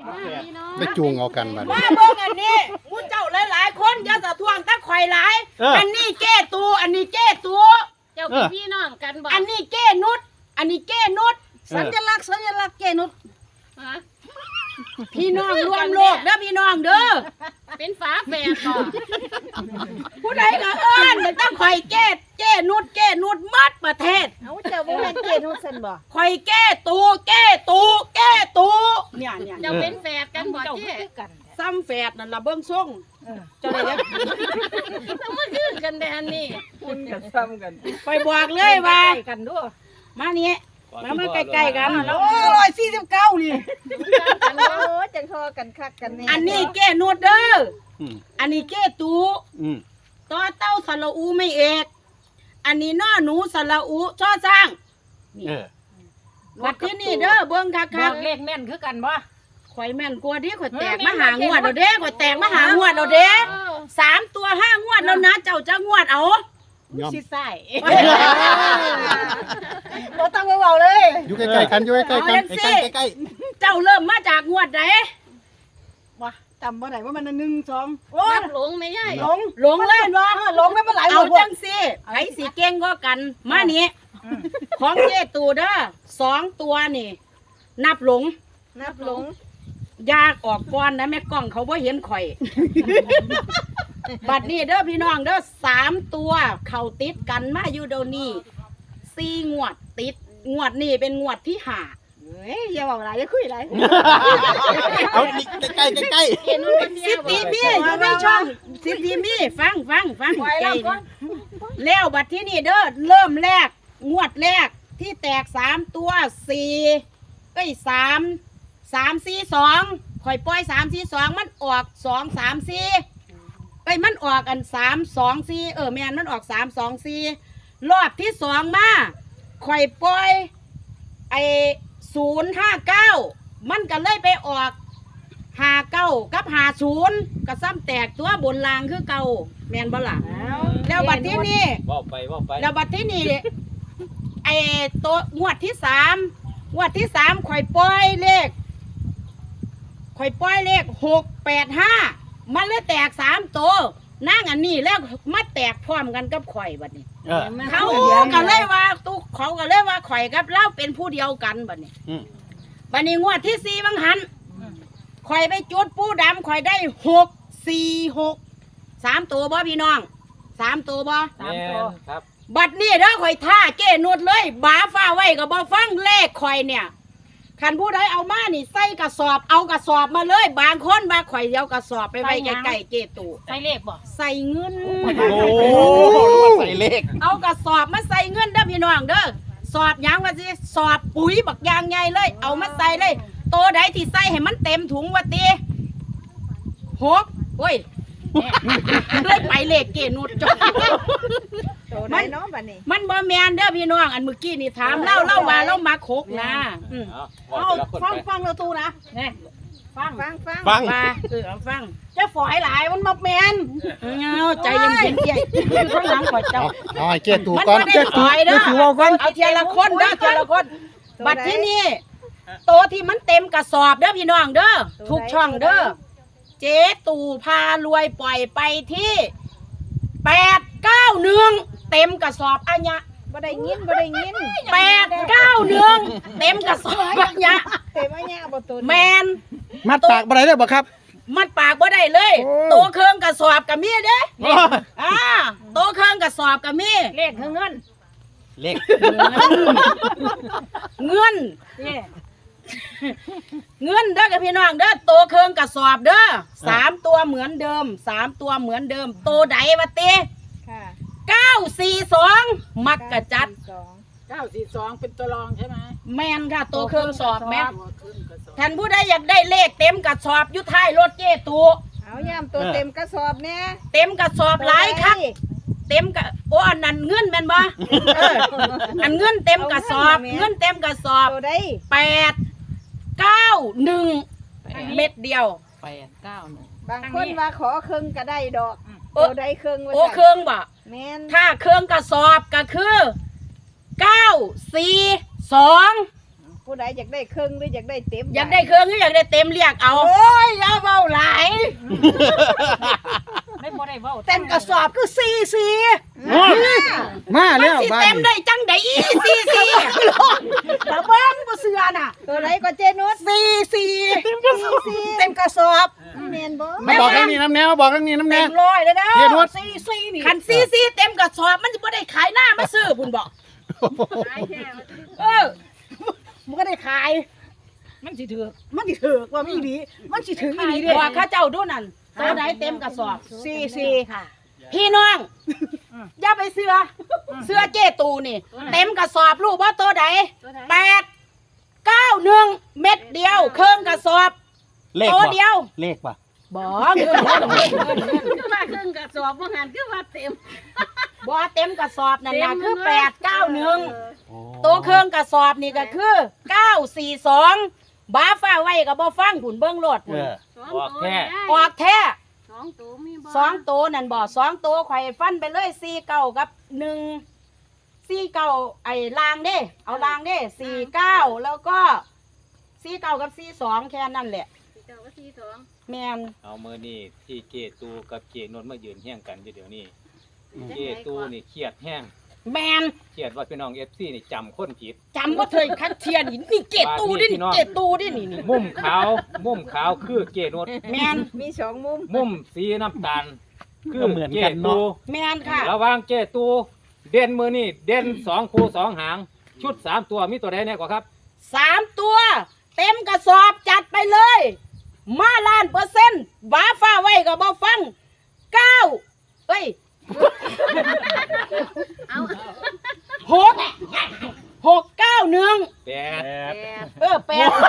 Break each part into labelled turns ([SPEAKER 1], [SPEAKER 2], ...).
[SPEAKER 1] ไปจูงเอากันมา
[SPEAKER 2] ว่าเบิ่งอันนี้มูเจ้าหลายๆคนอย่าสะท่วงตะข่อยหลายอันนี้แก้ตัวอันนี้แก้ตัว
[SPEAKER 3] เจ้าเป็นพี่น้องกันบ่
[SPEAKER 2] อันนี้แก้นุชอันนี้แก้นุชสัญลักษณ์แก้นุชพี่น้องรวมโลกเด้อพี่น้องเด้อ
[SPEAKER 3] เป็นฝาแฝดบ่
[SPEAKER 2] ผู้ใดก็เอิ้นต้องข่อยแก้นุชมัดประเทศ
[SPEAKER 4] เอาเจ้าบ่แม่นแก้นุชซั่นบ่
[SPEAKER 2] ข่อยแก้ตัวเนี่ย
[SPEAKER 3] เจ้าเป็นแฝดกันบ่เจ้
[SPEAKER 2] ซ้ำแฝดนั่นล่ะเบิ่งส่งเจ้าได้แล้ว
[SPEAKER 3] ต้องมาคือกันแดนนี่
[SPEAKER 4] คุณก็ซ้ำกัน
[SPEAKER 2] ไปบอกเลยว่า
[SPEAKER 4] กันด้วย
[SPEAKER 2] มานี่มาใกล้ๆกันโอ้149นี่
[SPEAKER 4] โอ้จังทอกันคักกันแน่
[SPEAKER 2] อันนี้แก้นุชเด้ออันนี้แก้ตูต่อเต้าสระอูไม่เอกอันนี้น้อหนูสระอูช่อสร้างวัดที่นี่เด้อเบิ่งคัก
[SPEAKER 4] ๆเลขแม่นคือกันบ่
[SPEAKER 2] ข่อยแม่นกว่าดิข่อยแตกมาหางวดแล้วเด้ข่อยแตกมาหางวดแล้วเด้3ตัว5งวดแล้วนะเจ้าจะงวดเอา
[SPEAKER 4] สิใส่บ่ต้องไปเว้าเลย
[SPEAKER 1] อยู่ใกล้ๆกันอยู่ใกล้ๆกันใกล้
[SPEAKER 2] ๆเจ้าเริ่มมาจากงวดใด
[SPEAKER 4] บ่จำบ่ได้ว่ามัน1 2
[SPEAKER 3] โอ้หลงไม่ใช่
[SPEAKER 2] หลงเลยบ่
[SPEAKER 4] หลงไม่เป็นไร
[SPEAKER 2] เอาจังสิไผสิเก่งก็กันมานี่ของเจตูเด้อ2ตัวนี่นับหลงยากออกก่อนนะแม่กล้องเขาบ่เห็นข่อยบัดนี้เด้อพี่น้องเด้อ3ตัวเข้าติดกันมาอยู่เดี๋ยวนี้4งวดติดงวดนี้เป็นงวดที่5
[SPEAKER 4] เฮ้ยอย่าบอกอะไรอย่าคุยอะไร
[SPEAKER 1] เอาใกล้
[SPEAKER 2] สิบทีมีอยู่ในช่องสิบทีมีฟังใกล้แล้วบัดที่นี่เด้อเริ่มแรกงวดแรกที่แตก3ตัว4ก็อีก3 4 2ข่อยปล่อย3 4 2มันออก2 3 4ไปมันออกอัน3 2 4แม่นมันออก3 2 4รอบที่2มาข่อยปล่อยไอ้059มันก็เลยไปออก59กับ50ก็ซ้ำแตกตัวบนรางคือเก่าแม่นบ่ล่ะแล้วบัดที่นี่
[SPEAKER 5] ว่าไป
[SPEAKER 2] แล้วบัดที่นี่ไอ้ตัวงวดที่3ข่อยปล่อยเลข685มันเลยแตก3ตัวนั่งอันนี้แล้วมาแตกพร้อมกันกับข่อยบัดนี้เขาก็เลยว่าเขาก็เลยว่าข่อยกับเล่าเป็นผู้เดียวกันบัดนี้งวดที่4บังหันข่อยไปจุดปูดำข่อยได้646 3ตัวบ่พี่น้อง3ตัวบ่
[SPEAKER 5] 3ตัวครับ
[SPEAKER 2] บัดนี้เด้อข่อยท่าเก้นวดเลยบาฟ้าไว้ก็บ่ฟังเลขข่อยเนี่ยคันผู้ใดเอามานี่ใส่กระสอบเอากระสอบมาเลยบางคนมาข่อยเอากระสอบไปไว้ใกล้ๆเจตู
[SPEAKER 3] ใส่เลขบ่
[SPEAKER 2] ใส่เงิน
[SPEAKER 1] โอ้ใส่เลข
[SPEAKER 2] เอากระสอบมาใส่เงินเด้อพี่น้องเด้อสอบยังว่าสิสอบปุ๋ยบักยางใหญ่เลยเอามาใส่เลยโตใดที่ใส่ให้มันเต็มถุงว่าติ6โอ้ยเลยไปเลขเกนุดจบมันบ่แมนเด้อพี่น้องอันเมื่อกี้นี่ถามเล่าว่าเรามาโคกนะ
[SPEAKER 4] เอาฟังเราตูนะเนี่ยฟัง
[SPEAKER 2] เอาฟัง
[SPEAKER 4] จะฝอยหลายมันมาแมน
[SPEAKER 2] ใจเย็นๆอยู่ข้างหลังข่อยเจ้า
[SPEAKER 1] เอาเกตูก่อน
[SPEAKER 2] เกตูก่อนเอาทีละคนเด้อทีละคนบัดที่นี่โตที่มันเต็มกระสอบเด้อพี่น้องเด้อทุกช่องเด้อเจ๊ตู่พารวยปล่อยไปที่891เต็มกระสอบอัญญะ
[SPEAKER 4] บ่ได้ยิน
[SPEAKER 2] 891เต็มกระสอบอัญญะ
[SPEAKER 4] เต็มอัญญะบ่ตัว
[SPEAKER 2] แมน
[SPEAKER 1] มัดปากบ่ได้เลยบ่ครับ
[SPEAKER 2] มัดปากบ่ได้เลยโตเครื่องกระสอบกับมีเด้โตเครื่องกระสอบกับมี
[SPEAKER 4] เลขคือเงิน
[SPEAKER 1] เลข
[SPEAKER 2] เงินเด้อกับพี่น้องเด้อโตเครื่องกระสอบเด้อ3ตัวเหมือนเดิมโตใดวะติ942มักกะจัด
[SPEAKER 4] 942เป็นตัวรองใช่ไหม
[SPEAKER 2] แม่นค่ะโตเครื่องสอบแม่ท่านผู้ใดอยากได้เลขเต็มกระสอบอยู่ท้ายรถเจ๊ตู
[SPEAKER 4] เอาย่ำตัวเต็มกระสอบเนี่ย
[SPEAKER 2] เต็มกระสอบหลายคักเต็มกะอันนั้นเงินแม่นบ่อันเงินเต็มกระสอบ
[SPEAKER 4] ตัวใด
[SPEAKER 2] 891เม็ดเดียว
[SPEAKER 4] บางคนว่าขอเครื่องก็ได้ดอกตัวใดเครื่อง
[SPEAKER 2] โอ้เครื่องบ่ถ้าเครื่องกระสอบก็คือ942
[SPEAKER 4] ผู้ใดอยากได้ครึ่งหรืออยากได้เต็ม
[SPEAKER 2] อยากได้เครื่องหรืออยากได้เต็มเรียกเอาโอ้ยอย่าเบาหลาย
[SPEAKER 3] ไม่พอได้เว้า
[SPEAKER 2] เต็มกระสอบคือซีซี
[SPEAKER 1] มาแล้ว
[SPEAKER 2] สิ
[SPEAKER 1] บ้าน
[SPEAKER 2] เต็มได้จังได๋ซีซีตะเบิ้งบ่เสือน่ะ
[SPEAKER 4] ตัวใดก็เจนุช
[SPEAKER 2] ซีซีเต็มกระสอบ
[SPEAKER 4] แม่นบ่
[SPEAKER 1] มาบอกทางนี้น้ำแนวบอกทางนี้น้ำแน
[SPEAKER 2] เต็
[SPEAKER 1] ว
[SPEAKER 2] มร้อยแล้วนะ
[SPEAKER 1] เทียนวด
[SPEAKER 2] ซีซีนี่คันซีซีเต็มกระสอบมันสิบ่ได้ขายหน้ามาซื้อพุ่นบอกมันก็ได้ขาย
[SPEAKER 3] มันสิถือ
[SPEAKER 2] มันสิถือว่ามีดีมันสิถึงอีหลีเด้ว่าข้าเจ้าดูนั่นตัวใดเต็มกระสอบซีซีค่ะ พี่น้องอย่าไปเสือเจตูนี่ เต็มกระสอบลูกว่าตัวใด891 เม็ดเดียวเครื่องกระสอบ
[SPEAKER 1] เลข
[SPEAKER 2] ตัว
[SPEAKER 1] ป่ะ
[SPEAKER 2] เดียว
[SPEAKER 1] เลขป่ะ
[SPEAKER 2] บ่เงิน
[SPEAKER 3] คือว่าครึ่งกระสอบว่าหันคือว่าเต็ม
[SPEAKER 2] บ่เต็มกระสอบนั่นน่ะคือ
[SPEAKER 3] เต็ม
[SPEAKER 2] 891ตัวเครื่องกระสอบนี่ก็คือ942บ้าฟ้าไว้ก็บ่ฟังผุนเบิ่งโลด
[SPEAKER 1] เออ
[SPEAKER 3] ออกแค่
[SPEAKER 2] ออกแท้
[SPEAKER 3] 2ตัวมีบ่
[SPEAKER 2] 2ตัวนั่นบ่2ตัวข่อยฟันไปเลย49กับ149ไอ้ลางเด้เอาลางเด้49แล้วก็49กับ42แค่นั้นแหละ
[SPEAKER 3] เจ้าก็42
[SPEAKER 2] แม่น
[SPEAKER 5] เอามือนี่ที่เกตูกับเกนนท์มายืนเฮี้ยงกันอยู่เดี๋ยวนี้เกตูนี่เครียดแห้ง
[SPEAKER 2] แม่น
[SPEAKER 5] เครียดว่าพี่น้องFCนี่จำคนผิด
[SPEAKER 2] จำบ่เคยคัดเทียนนี่เกตตูดิเกตตูดินี่
[SPEAKER 5] มุมขาวคือเกนนท์
[SPEAKER 2] แม่น
[SPEAKER 4] มี2มุม
[SPEAKER 5] มุมสีน้ำตาลคือ
[SPEAKER 1] ก็เหมือน
[SPEAKER 5] เก
[SPEAKER 1] กัน
[SPEAKER 5] ตู
[SPEAKER 1] เนาะ
[SPEAKER 2] แม่นค่ะ
[SPEAKER 5] ระหว่างเกตูเด่นมือนี่เด่น2คู่2หางชุด3ตัวมีตัวใดแน่กว่าครับ
[SPEAKER 2] 3ตัว เต็มกระสอบจัดไปเลย มา1,000,000บ้าฟ้าไว้ก็บ่ฟัง9เอ้ย
[SPEAKER 3] เอา
[SPEAKER 2] 691
[SPEAKER 5] แปด
[SPEAKER 2] 8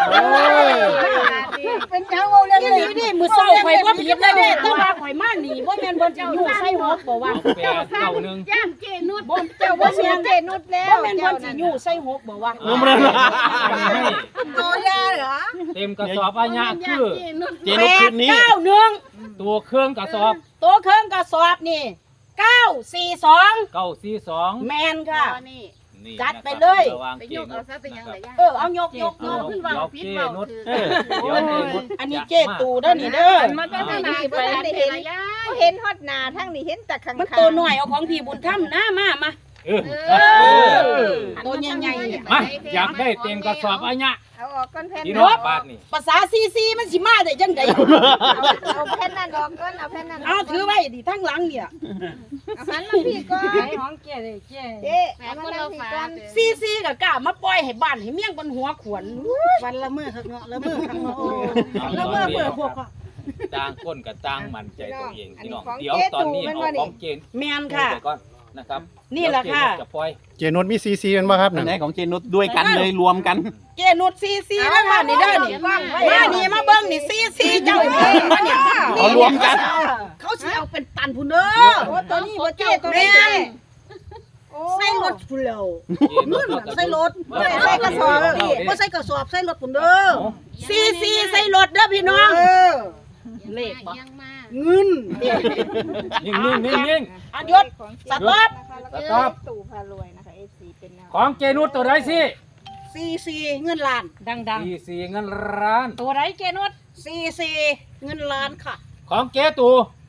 [SPEAKER 2] เป็นจังเอาเรื่องนี้นี่มือเศร้าข่อยว่าผิดเลยเด้แต่ว่าข่อยมาหนีบ่แม่นเพิ่นสิอยู่ใส่หกบ่ว่า
[SPEAKER 5] แปดเก้าหนึ่ง
[SPEAKER 3] ย่านเจนุช
[SPEAKER 2] บ่เจ้า
[SPEAKER 4] บ่
[SPEAKER 2] บ่
[SPEAKER 4] เสี
[SPEAKER 2] แม่
[SPEAKER 4] ย
[SPEAKER 2] น
[SPEAKER 4] เจนุชแล้ว
[SPEAKER 2] บ่แม่นเพิ่นสิอยู่ใส่หกบ่ว่า
[SPEAKER 1] บ่แม่น
[SPEAKER 5] ให้
[SPEAKER 2] ตัวยาเหรอ
[SPEAKER 5] เต็มกระสอบอาญะ
[SPEAKER 3] ย่า
[SPEAKER 5] คื
[SPEAKER 3] น
[SPEAKER 5] อ
[SPEAKER 3] เจนุช
[SPEAKER 1] เจนุชคืนนี้
[SPEAKER 2] 891
[SPEAKER 5] ตัวเครื่องกระสอบ
[SPEAKER 2] ตัวเครื่องกระสอบนี่942
[SPEAKER 5] 942
[SPEAKER 2] แม่นค่ะ
[SPEAKER 3] นี่
[SPEAKER 5] นี่
[SPEAKER 2] จัด
[SPEAKER 5] นะครับ
[SPEAKER 2] ไปเลย
[SPEAKER 5] ระวัง
[SPEAKER 3] ไป
[SPEAKER 5] เก
[SPEAKER 3] ยก
[SPEAKER 5] น
[SPEAKER 3] เอา
[SPEAKER 5] นท์
[SPEAKER 3] ซะเป็นหยังไงย่า
[SPEAKER 2] เอายก
[SPEAKER 3] ขึ้นเว้าผิดเว้าถือ
[SPEAKER 1] เออ
[SPEAKER 5] เดี๋ยวเจนุช
[SPEAKER 2] อันนี้เจตูเด้อนี่เด้อ
[SPEAKER 3] มันก็จะมาไปได้เห็นย่า
[SPEAKER 4] บ่เห็นฮอดหน้าทั้งนี้เห็นแต่ข้างๆ
[SPEAKER 2] มันตัวหน่อยเอาของพี่บุญธรรมนะมา
[SPEAKER 5] เออ
[SPEAKER 2] ตัวใหญ่ๆเนี่ย
[SPEAKER 5] มาอยากได้เต็มกระสอบอาญะ
[SPEAKER 4] เอาออกก้อนแผ่น
[SPEAKER 5] พี่
[SPEAKER 4] นั้น
[SPEAKER 5] น้องบาทนี่
[SPEAKER 2] ภาษาซีมันสิมาได้จังได๋
[SPEAKER 4] เอาแผ่นนั้นออกก้อนเอาแผ่นนั้น
[SPEAKER 2] เอาถือไว้ดิทั้งหลังเนี่ย
[SPEAKER 4] เอาหันมาพี่ก่อน
[SPEAKER 3] ของเจเลยเจ
[SPEAKER 4] เจ๊
[SPEAKER 3] แม่
[SPEAKER 4] เอา
[SPEAKER 3] ค
[SPEAKER 4] มาน นั่
[SPEAKER 3] เรา
[SPEAKER 4] งพี่
[SPEAKER 3] ฝา
[SPEAKER 4] ก่อน
[SPEAKER 2] ซีก็กล้ามาปล่อยให้บ้านให้เมี่ยงบนหัวขวนวันละมื้อคักเนาะละมื้อคักเนาะละมื้อเปิดพวก
[SPEAKER 5] ต่างคนกับต่างมั่นใจตัวเองพี่น้อง
[SPEAKER 4] อันนี้
[SPEAKER 5] เดี๋ยว
[SPEAKER 4] ของ
[SPEAKER 5] ตอนนี้
[SPEAKER 4] เจ๊ตู่
[SPEAKER 5] เอา
[SPEAKER 4] มันว่านี่
[SPEAKER 5] ของเจน
[SPEAKER 2] แม่นค่ะ
[SPEAKER 5] ไปก่อนนะครับ
[SPEAKER 2] นี่แหละค่ะ
[SPEAKER 5] เดี๋ยวเจนจะปล่อย
[SPEAKER 1] เจนุชมีซีซีกันบ่ครับ
[SPEAKER 6] อั
[SPEAKER 1] นั่
[SPEAKER 6] น
[SPEAKER 1] น
[SPEAKER 6] ไหนของเจนุชด้วยกันเลยรวมกัน
[SPEAKER 2] เจนุดซีแล้วค่ะนี่เด้อนี่มานี่มาเบิ่งนี่ซีเจ้าเบิ่งมาเนี่ย
[SPEAKER 6] เอารวมกัน
[SPEAKER 2] เขาสิเอาเป็นตันพุ่นเด้อ
[SPEAKER 4] โอ้ตัวนี้บ่เจ๊ตัว
[SPEAKER 2] แม่
[SPEAKER 4] นี้
[SPEAKER 2] น
[SPEAKER 4] โอ้
[SPEAKER 2] ใส่รถพุ่นแล้ว
[SPEAKER 5] เจน
[SPEAKER 2] นู่น
[SPEAKER 5] เอา
[SPEAKER 2] น่ะใส่รถ
[SPEAKER 5] เอา
[SPEAKER 2] ใส่กระสอบบ่ใส่กระสอบใส่รถพุ่นเด้อซีใส่รถเด้อพี่น้องเลขบ่
[SPEAKER 3] ยังมา
[SPEAKER 2] เงิน
[SPEAKER 5] นิ่ง
[SPEAKER 2] อันยศสต๊อป
[SPEAKER 5] สต๊อป
[SPEAKER 4] ตู่พารวยนะคะ FC เป็นแนว
[SPEAKER 5] ของเจนุชตัวใดสิ
[SPEAKER 2] ซีเงินล้าน
[SPEAKER 3] ดัง
[SPEAKER 5] สี่เงินล้าน
[SPEAKER 3] ๆตัวไรเจนุช
[SPEAKER 2] ซีเงินล้านค่ะ
[SPEAKER 5] ของเจตู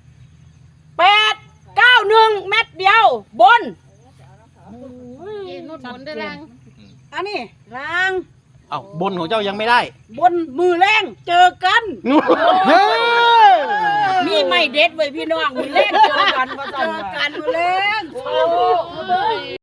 [SPEAKER 2] 891 เม็ดเดียวบน
[SPEAKER 3] เจนุชบนได้รัง
[SPEAKER 2] อันนี้ล้าง
[SPEAKER 6] เอ้าบนของเจ้ายังไม่ได้
[SPEAKER 2] บนมือแรงเจอกัน
[SPEAKER 1] เฮ้ย
[SPEAKER 2] มีไม่เด็ดไว้พี่น้องมือแรงเจอกันมาเจอกันมาแล้ว